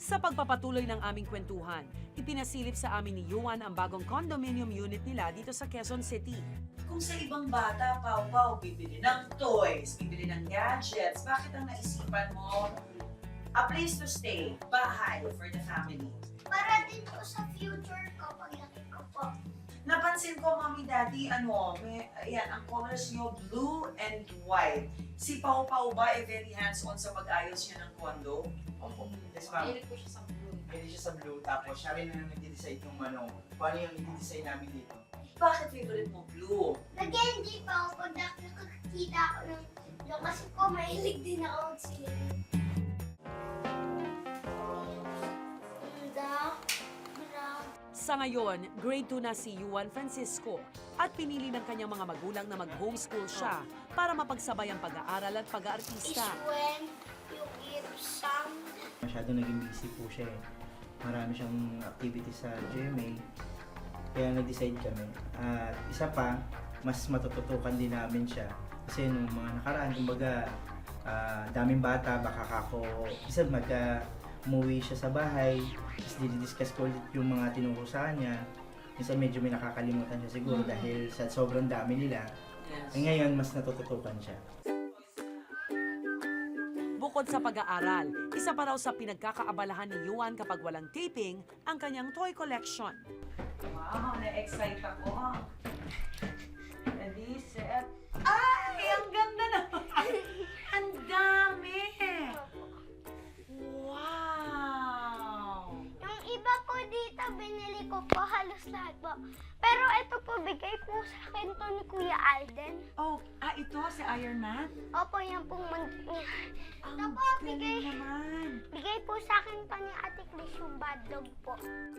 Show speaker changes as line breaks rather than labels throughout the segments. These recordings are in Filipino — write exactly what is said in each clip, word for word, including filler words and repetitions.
Sa pagpapatuloy ng aming kwentuhan, ipinasilip sa amin ni Yuan ang bagong condominium unit nila dito sa Quezon City.
Kung sa ibang bata, Pau-Pau, bibili ng toys, bibili ng gadgets, bakit ang naisipan mo a place to stay, bahay for the family?
Para din po sa future ko, paglaki ko po.
Napansin ko, Mami Daddy, ano, may, ayan, ang colors nyo, blue and white. Si Pau-Pau ba ay very hands-on sa pag-ayos niya ng condo?
Opo. Yes, ma'am.
Mahilig po siya sa blue.
Mahilig siya sa blue. Tapos siya rin ang nag-decide kung ano, kung ano yung i-design namin dito.
Bakit favorite mo blue?
Nag-enjoy pa ako pag nakakita ako ng blue kasi po mahilig din ako mag-swimming. Ganda. Ganda.
Sa ngayon, grade two na si Yuan Francisco at pinili ng kanyang mga magulang na mag-homeschool siya para mapagsabay ang pag-aaral at pag-aartista.
Iswen, yung Ipsam.
Masyado naging busy po siya eh. Marami siyang activities sa G M A. Kaya nag-decide kami. At isa pa, mas matututukan din namin siya. Kasi nung mga nakaraan, kumbaga, ah, daming bata, baka kako, isa magka umuwi siya sa bahay, tapos dinidiscuss ko ulit yung mga tinurusahan niya. Minsan medyo may nakakalimutan siya siguro
Mm.
dahil sa sobrang dami nila.
Yes.
Eh ngayon, mas natututukan siya.
Bukod sa pag-aaral, isa pa raw sa pinagkakaabalahan ni Yuan kapag walang taping ang kanyang toy collection.
Wow, na-excite ako. Ready, set. Ay, ang ganda naman! Ang dami! Wow!
Yung iba po dito, binili ko po halos lahat po. Pero ito po, bigay po sa akin to ni Kuya Alden.
Oh, ah, ito si Iron Man?
Opo, yan pong mag... Ito
Ang
po,
galing
bigay,
naman.
bigay po sa akin pa ni Ate Chris yung bad dog po.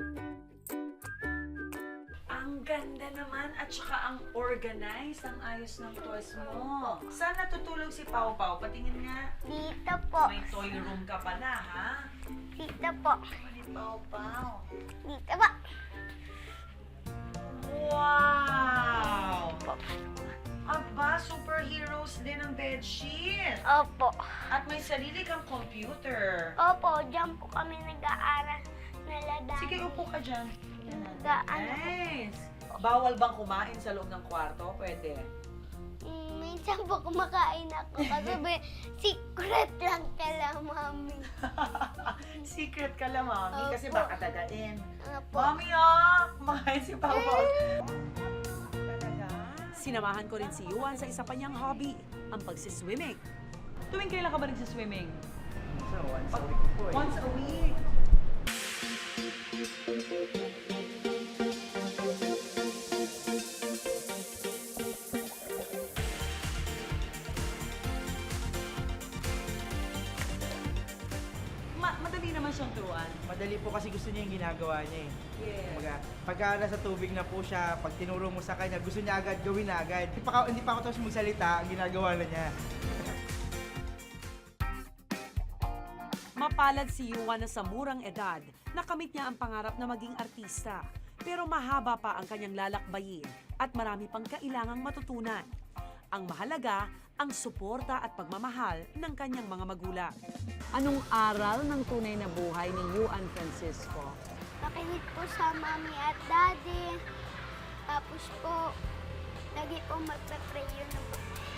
Ang ganda naman at saka ang organized, ang ayos ng toys mo. Saan natutulog si Pau Pau? Patingin nga.
Dito po.
May toy room ka pala, ha?
Dito po.
Ni Pau Pau.
Dito po.
Wow! Aba, superheroes din ang bedsheet.
Opo.
At may sarili kang computer.
Opo, dyan po kami nag-aaral na ladang.
Sige, upo ka dyan.
Nag-ano.
Nice! Bawal bang kumain sa loob ng kwarto? Pwede.
Mm, minsan po kumakain ako kasi may secret lang kala mami.
Secret ka lang, Mami, kasi
Opo.
baka dagain.
Opo.
Mami, ah! Kumakain si Pau Pau. Talaga?
Sinamahan ko rin si Yuan sa isa pa niyang hobby, ang pagsiswimming.
Tuwing kailan ka ba nagsiswimming?
So, once a week po eh.
Once a week. Ma madali naman siyang turuan.
Madali po kasi gusto niya yung ginagawa niya eh.
Yes.
Kumbaga, pagka nasa tubig na po siya, pag tinuro mo sa kanya, gusto niya agad gawin na agad. Hindi pa, ka- hindi pa ako tapos magsalita, ang ginagawa na niya.
Mapalad si Yuan na sa murang edad, nakamit niya ang pangarap na maging artista. Pero mahaba pa ang kanyang lalakbayin at marami pang kailangang matutunan. Ang mahalaga, ang suporta at pagmamahal ng kanyang mga magulang.
Anong aral ng tunay na buhay ni Yuan Francisco?
Makinig po sa mami at daddy. Tapos po, lagi po magpe-pray yun.